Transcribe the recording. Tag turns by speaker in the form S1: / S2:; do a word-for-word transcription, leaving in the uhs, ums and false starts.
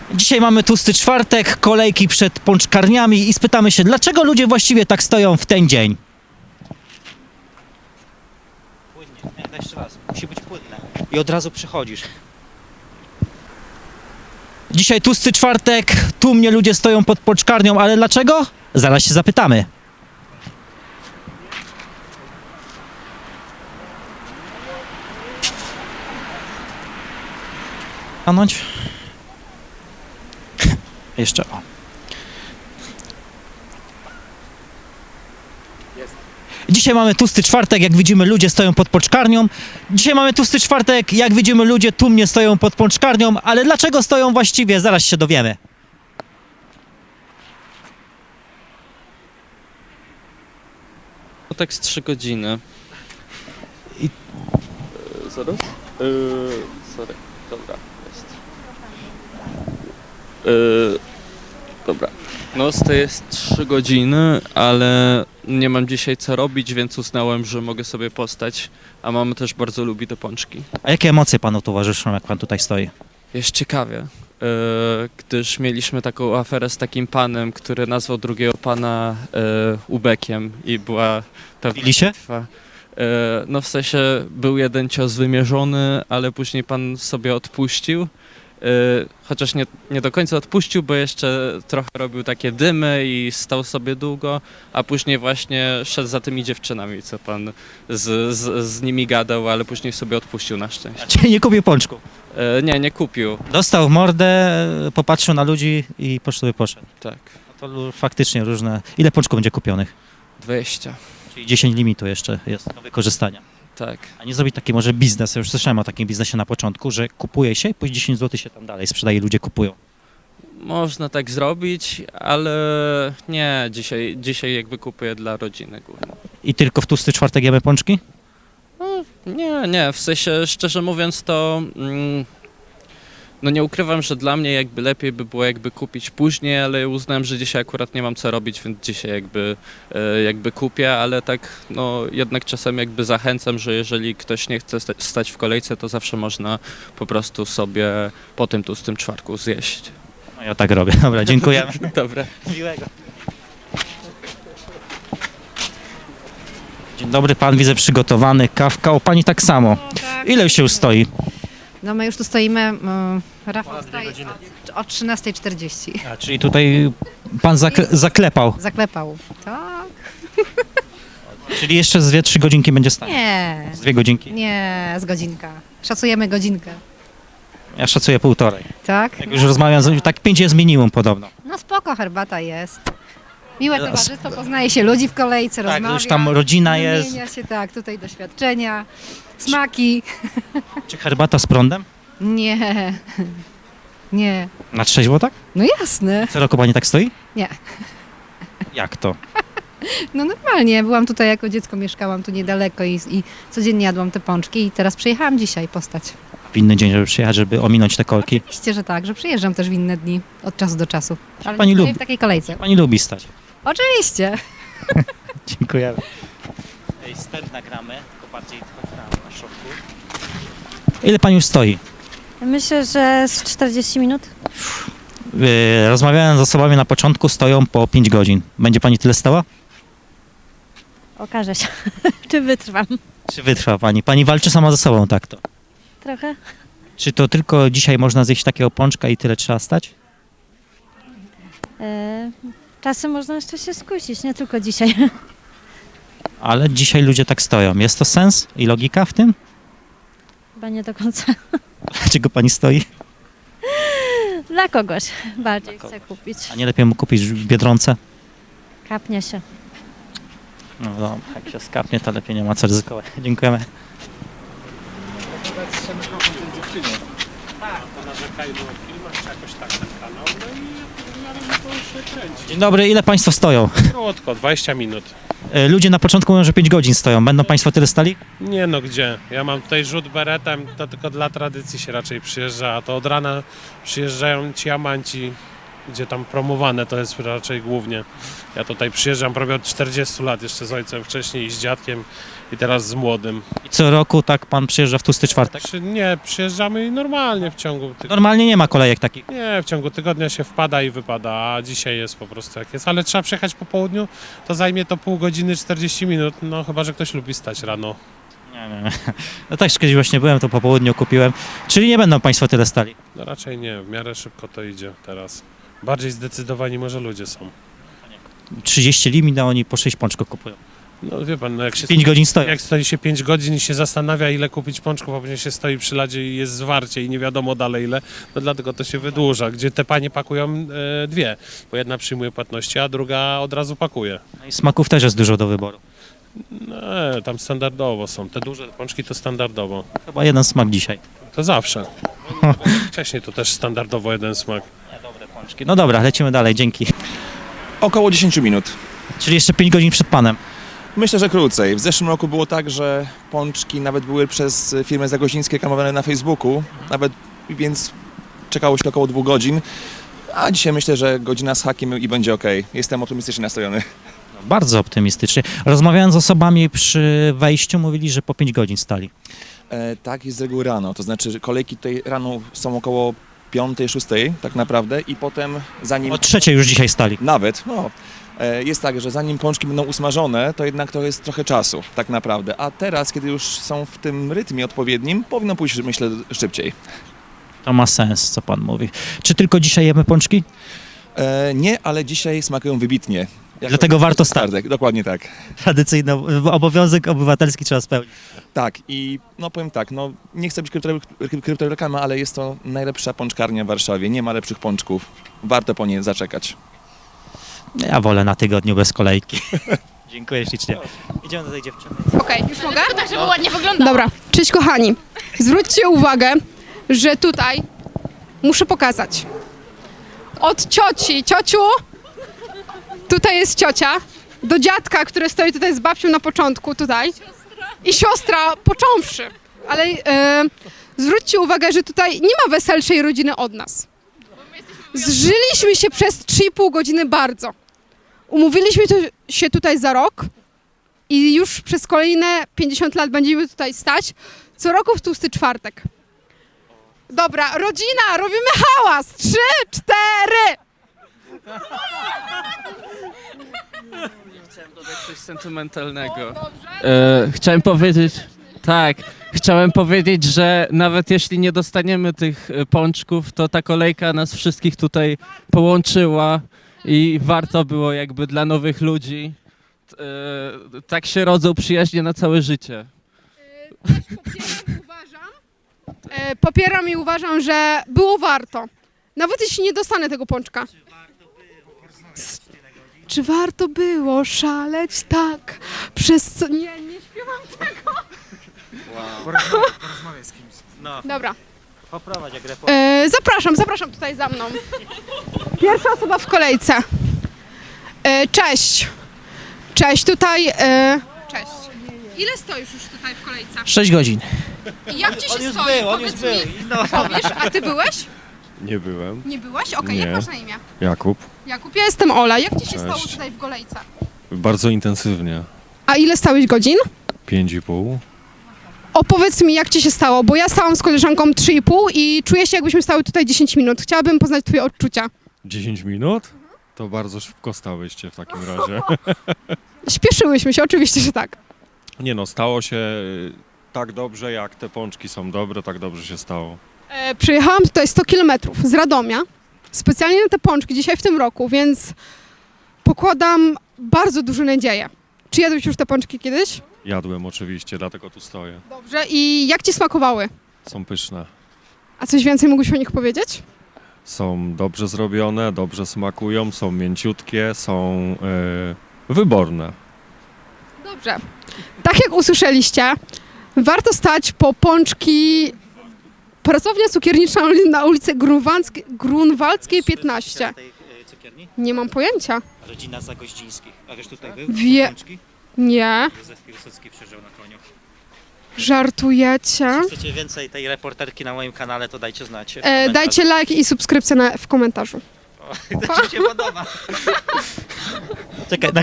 S1: Dzisiaj mamy tłusty czwartek, kolejki przed pączkarniami i spytamy się, dlaczego ludzie właściwie tak stoją w ten dzień? Płynnie, nie, jeszcze raz, musi być płynne. I od razu przychodzisz. Dzisiaj tłusty czwartek, tłumnie ludzie stoją pod pączkarnią, ale dlaczego? Zaraz się zapytamy. Stanąć. Jeszcze o. Dzisiaj mamy tłusty czwartek, jak widzimy ludzie stoją pod pączkarnią. Dzisiaj mamy tłusty czwartek, jak widzimy ludzie tłumnie stoją pod pączkarnią, ale dlaczego stoją właściwie? Zaraz się dowiemy.
S2: No tak z trzy godziny.
S1: I-
S2: Yy, zaraz? Yy, sorry, dobra, jest. Yy, dobra. No to jest trzy godziny, ale nie mam dzisiaj co robić, więc uznałem, że mogę sobie postać, a mama też bardzo lubi te pączki.
S1: A jakie emocje panu towarzyszą, jak pan tutaj stoi?
S2: Jest ciekawie, yy, gdyż mieliśmy taką aferę z takim panem, który nazwał drugiego pana yy, ubekiem i była pewna
S1: Bili się?
S2: bitwa. Yy, no w sensie był jeden cios wymierzony, ale później pan sobie odpuścił. Yy, chociaż nie, nie do końca odpuścił, bo jeszcze trochę robił takie dymy i stał sobie długo, a później właśnie szedł za tymi dziewczynami, co pan z, z, z nimi gadał, ale później sobie odpuścił na szczęście.
S1: Czyli nie kupił pączku.
S2: Yy, nie, nie kupił,
S1: Dostał w mordę, popatrzył na ludzi i po sobie poszedł.
S2: tak.
S1: No to lu- faktycznie różne. Ile pączków będzie kupionych?
S2: dwadzieścia,
S1: Czyli dziesięć limitu jeszcze jest do wykorzystania.
S2: tak.
S1: A nie zrobić taki może biznes, ja już słyszałem o takim biznesie na początku, że kupuje się i po dziesięć złotych się tam dalej sprzedaje, ludzie kupują.
S2: Można tak zrobić, ale nie, dzisiaj, dzisiaj jakby kupuję dla rodziny głównie.
S1: I tylko w tłusty czwartek jemy pączki?
S2: Nie, nie, w sensie szczerze mówiąc to mm, no nie ukrywam, że dla mnie jakby lepiej by było jakby kupić później, ale uznałem, że dzisiaj akurat nie mam co robić, więc dzisiaj jakby, e, jakby kupię, ale tak no jednak czasem jakby zachęcam, że jeżeli ktoś nie chce sta- stać w kolejce, to zawsze można po prostu sobie po tym tłustym czwartku zjeść.
S1: No ja tak robię. Dobra, dziękujemy.
S2: Dobra.
S1: Miłego. Dzień dobry, pan widzę przygotowany, kawka, o pani tak samo.
S3: Tak.
S1: Ile się już stoi?
S3: No my już tu stoimy, mm, Rafał stoi o, o trzynastej czterdzieści.
S1: A, czyli tutaj pan zakle zaklepał,
S3: Zaklepał. Tak?
S1: czyli jeszcze z dwie, trzy godzinki będzie stać.
S3: Nie,
S1: Z dwie godzinki.
S3: nie, z godzinka. Szacujemy godzinkę.
S1: Ja szacuję półtorej.
S3: Tak?
S1: Jak już rozmawiam, z- tak pięć jest minimum podobno.
S3: No spoko, herbata jest. Miłe
S1: No,
S3: towarzystwo, poznaje się ludzi w kolejce,
S1: Tak,
S3: rozmawia.
S1: już tam rodzina jest.
S3: Wymienia się, tak, tutaj doświadczenia, smaki.
S1: Czy herbata z prądem?
S3: Nie, nie.
S1: Na trzeźwo tak?
S3: No jasne.
S1: Co roku pani tak stoi?
S3: Nie.
S1: Jak to?
S3: No normalnie, byłam tutaj jako dziecko, mieszkałam tu niedaleko i, i codziennie jadłam te pączki i teraz przyjechałam dzisiaj postać.
S1: W inny dzień, żeby przyjechać, żeby ominąć te kolki.
S3: Oczywiście, że tak, że przyjeżdżam też w inne dni, od czasu do czasu. Ale
S1: pani
S3: nie stoję
S1: lubi.
S3: w takiej kolejce.
S1: Pani lubi stać.
S3: Oczywiście.
S1: Dziękujemy. Ej, wstęp nagramy, tylko bardziej na środku. Ile pani już stoi?
S4: Myślę, że z czterdzieści minut.
S1: Yy, rozmawiałem z osobami na początku, stoją po pięć godzin. Będzie pani tyle stała?
S4: Okaże się, czy wytrwam.
S1: Czy wytrwa pani? Pani walczy sama ze sobą, tak to.
S4: Trochę.
S1: Czy to tylko dzisiaj można zjeść takiego pączka i tyle trzeba stać?
S4: E, czasem można jeszcze się skusić, nie tylko dzisiaj.
S1: Ale dzisiaj ludzie tak stoją. Jest to sens i logika w tym?
S4: Chyba nie do końca.
S1: Dlaczego pani stoi?
S4: Dla kogoś bardziej
S1: Dla
S4: chcę kupić.
S1: A nie lepiej mu kupić w Biedronce?
S4: Kapnie się.
S1: No, no jak się skapnie, to lepiej nie ma co ryzykować. Dziękujemy. Dzień dobry, ile państwo stoją?
S5: Krótko, dwadzieścia minut.
S1: E, Ludzie na początku mówią, że pięć godzin stoją. Będą państwo tyle stali?
S5: Nie no, gdzie? Ja mam tutaj rzut beretem, to tylko dla tradycji się raczej przyjeżdża, a to od rana przyjeżdżają ci amanci gdzie tam promowane to jest raczej głównie. Ja tutaj przyjeżdżam prawie od czterdziestu lat, jeszcze z ojcem wcześniej i z dziadkiem i teraz z młodym.
S1: I co roku tak pan przyjeżdża w tłusty czwartek?
S5: Czy nie, przyjeżdżamy i normalnie w ciągu tygodnia.
S1: Normalnie nie ma kolejek takich.
S5: Nie, w ciągu tygodnia się wpada i wypada, a dzisiaj jest po prostu jak jest. Ale trzeba przyjechać po południu, to zajmie to pół godziny, czterdzieści minut, no chyba, że ktoś lubi stać rano.
S1: Nie, nie, nie. No tak, kiedyś właśnie byłem, to po południu kupiłem. Czyli nie będą państwo tyle stali.
S5: No raczej nie, w miarę szybko to idzie teraz. Bardziej zdecydowani może ludzie są.
S1: trzydzieści limit, a oni po sześć pączków kupują.
S5: No wie pan, no jak się
S1: pięć godzin stoją.
S5: Jak stoi się pięć godzin i się zastanawia, ile kupić pączków, a później się stoi przy ladzie i jest zwarcie i nie wiadomo dalej ile, no dlatego to się wydłuża. Gdzie te panie pakują e, dwie, bo jedna przyjmuje płatności, a druga od razu pakuje.
S1: No i smaków też jest dużo do wyboru.
S5: No, tam standardowo są. Te duże pączki to standardowo.
S1: Chyba jeden smak dzisiaj.
S5: To zawsze. Wcześniej to też standardowo jeden smak.
S1: Dobre pączki. No dobra, lecimy dalej, dzięki.
S6: Około dziesięć minut.
S1: Czyli jeszcze pięć godzin przed panem.
S6: Myślę, że krócej. W zeszłym roku było tak, że pączki nawet były przez firmę zagozińskie reklamowane na Facebooku, nawet więc czekało się około dwóch godzin. A dzisiaj myślę, że godzina z hakiem i będzie ok. Jestem optymistycznie nastrojony.
S1: Bardzo optymistycznie. Rozmawiając z osobami przy wejściu, mówili, że po pięć godzin stali.
S6: E, tak jest z reguły rano, to znaczy, że kolejki tutaj rano są około piątej, szóstej tak naprawdę i potem zanim...
S1: O trzeciej już dzisiaj stali.
S6: Nawet, no. E, Jest tak, że zanim pączki będą usmażone, to jednak to jest trochę czasu, tak naprawdę. A teraz, kiedy już są w tym rytmie odpowiednim, powinno pójść, myślę, szybciej.
S1: To ma sens, co pan mówi. Czy tylko dzisiaj jemy pączki?
S6: E, nie, ale dzisiaj smakują wybitnie. Jako
S1: Dlatego warto stać.
S6: czwartek, dokładnie tak.
S1: Tradycyjny obowiązek obywatelski trzeba spełnić.
S6: Tak i no powiem tak, no nie chcę być krypto- kryptoreklama, ale jest to najlepsza pączkarnia w Warszawie. Nie ma lepszych pączków. Warto po nie zaczekać.
S1: Ja wolę na tygodniu bez kolejki. Dziękuję ślicznie. Idziemy do tej dziewczyny.
S7: Okej, już mogę?
S8: Tak, żeby ładnie wyglądało.
S7: Dobra, cześć kochani. Zwróćcie uwagę, że tutaj muszę pokazać. Od cioci, ciociu, tutaj jest ciocia, do dziadka, który stoi tutaj z babcią na początku, tutaj. I siostra, począwszy. Ale e, zwróćcie uwagę, że tutaj nie ma weselszej rodziny od nas. Zżyliśmy się przez trzy i pół godziny bardzo. Umówiliśmy to, się tutaj za rok i już przez kolejne pięćdziesiąt lat będziemy tutaj stać. Co roku w tłusty czwartek. Dobra, rodzina, robimy hałas! Trzy, cztery!
S2: Chciałem dodać coś sentymentalnego. E, chciałem powiedzieć, tak, chciałem powiedzieć, że nawet jeśli nie dostaniemy tych e, pączków, to ta kolejka nas wszystkich tutaj połączyła i warto było jakby dla nowych ludzi. E, tak się rodzą przyjaźnie na całe życie.
S7: Też popieram, uważam, e, popieram i uważam, że było warto. Nawet jeśli nie dostanę tego pączka. Czy warto było szaleć tak? Przez co... Nie, nie śpiewam tego.
S1: No,
S7: Dobra.
S1: poprowadź jak repo.
S7: E, zapraszam, zapraszam tutaj za mną. Pierwsza osoba w kolejce. E, cześć. Cześć, tutaj... E, cześć. Ile stoisz już tutaj w kolejce?
S1: sześć godzin.
S7: I jak ci się
S1: On już
S7: stoi?
S1: był, on już
S7: Powiedz
S1: był.
S7: mi,
S1: No.
S7: powiesz, a ty byłeś?
S9: Nie byłem.
S7: Nie byłeś? Okej,
S9: Nie.
S7: jak masz na imię?
S9: Jakub.
S7: Jakub, ja jestem Ola. Jak ci się
S9: Cześć.
S7: stało tutaj w kolejce?
S9: Bardzo intensywnie.
S7: A ile stałeś godzin?
S9: Pięć i pół.
S7: Opowiedz mi, jak ci się stało, bo ja stałam z koleżanką trzy i pół i czuję się, jakbyśmy stały tutaj dziesięć minut. Chciałabym poznać twoje odczucia.
S9: Dziesięć minut? To bardzo szybko stałyście w takim razie.
S7: Śpieszyłyśmy się, oczywiście, że tak.
S9: Nie no, stało się y, tak dobrze, jak te pączki są dobre, tak dobrze się stało.
S7: E, przyjechałam tutaj sto kilometrów z Radomia, specjalnie na te pączki dzisiaj w tym roku, więc pokładam bardzo duże nadzieje. Czy jadłeś już te pączki kiedyś?
S9: Jadłem oczywiście, dlatego tu stoję.
S7: Dobrze. I jak ci smakowały?
S9: Są pyszne.
S7: A coś więcej mógłbyś o nich powiedzieć?
S9: Są dobrze zrobione, dobrze smakują, są mięciutkie, są y, wyborne.
S7: Dobrze. Tak jak usłyszeliście, warto stać po pączki. Pracownia cukiernicza na ulicy Grunwaldzkiej, Grunwaldzkiej piętnaście. Nie mam pojęcia.
S1: Rodzina Zagoździńskich. A wiesz, tutaj był?
S7: Wie- Nie.
S1: Józef Piłsudski przeżył na koniu.
S7: Żartujecie?
S1: Chcecie więcej tej reporterki na moim kanale, to dajcie znać. w
S7: E,
S1: komentarzu.
S7: dajcie like i subskrypcję na, w komentarzu.
S1: To ci się podoba. Czekaj, na